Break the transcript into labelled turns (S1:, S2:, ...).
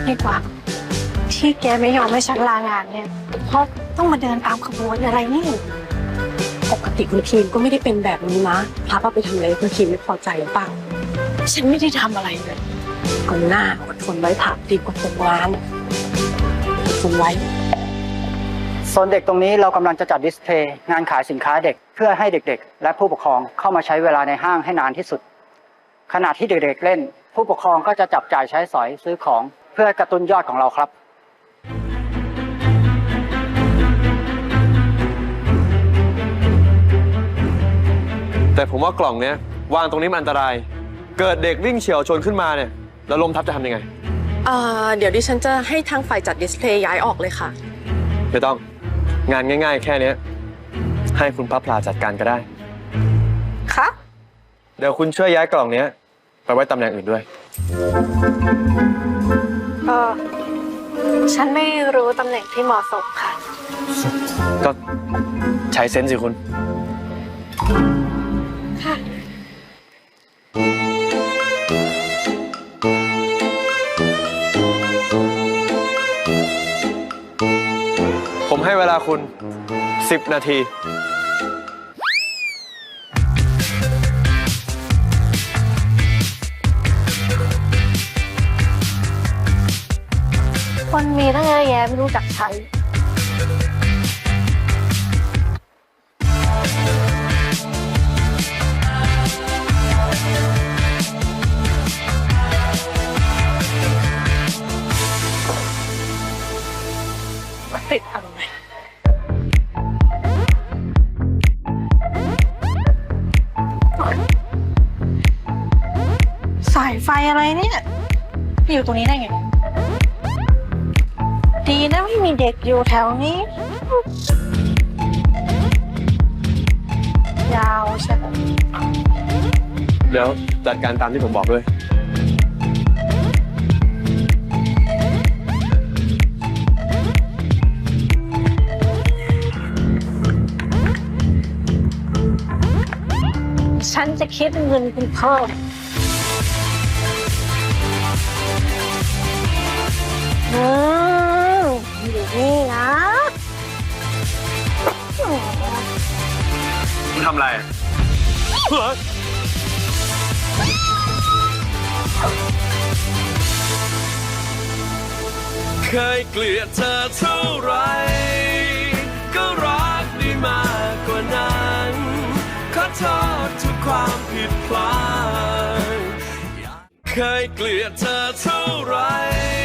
S1: ดีกว่าที่แกไม่ยอมให้ฉันลางานเนี่ยเพราะต้องมาเดินตามขบวนอะไรนี่
S2: ปกติคุณคีมก็ไม่ได้เป็นแบบนี้นะพับเอาไปทำอะไรคุณคีมไม่พอใจหรือเปล่า
S1: ฉันไม่ได้ทำอะไรเลย
S2: เอาหน้าอดทนไว้ผักดีกว่าตกงานอดทนไว้
S3: โซนเด็กตรงนี้เรากำลังจะจัดดิสเพลย์งานขายสินค้าเด็กเพื่อให้เด็กๆและผู้ปกครองเข้ามาใช้เวลาในห้างให้นานที่สุดขณะที่เด็กๆเล่นผู้ปกครองก็จะจับจ่ายใช้สอยซื้อของเพื่อกระตุ้นยอดของเราครับ
S4: แต่ผมว่ากล่องเนี้ยวางตรงนี้มันอันตรายเกิดเด็กวิ่งเฉี่ยวชนขึ้นมาเนี่ยแล้วลมทับจะทำยังไง
S2: เดี๋ยวดิฉันจะให้ทางฝ่ายจัดดิสเพลย์ย้ายออกเลยค่ะ
S4: ไม่ต้องงานง่ายๆแค่นี้ให้คุณพระพลาจัดการก็ได้
S2: ค่ะ
S4: เดี๋ยวคุณช่วยย้ายกล่องเนี้ยไปไว้ตำแหน่งอื่นด้วย
S1: ฉันไม่รู้ตำแหน่งที่เหมาะสมค่ะ
S4: ก็ใช้เซนส์สิคุณ
S1: ค่ะ
S4: ผมให้เวลาคุณ10 นาที
S1: คนมีตั้งเยอะแยะไม่รู้จักใช้ติดอะไรสายไฟอะไรเนี่ยอยู่ตรงนี้ได้ไงดีนะไม่มีเด็กอยู่แถวนี้ยาวใช่ไหม
S4: เดี๋ยวจัดการตามที่ผมบอกด้วย
S1: ฉันจะคิดเงินคุณเพิ่มอยู่นี่นะ
S4: คุณทำอะไร
S5: เคยเกลียดเธอเท่าไรก็รักได้มากกว่านั้นขอโทษทุกความผิดพลาดเคยเกลียดเธอเท่าไร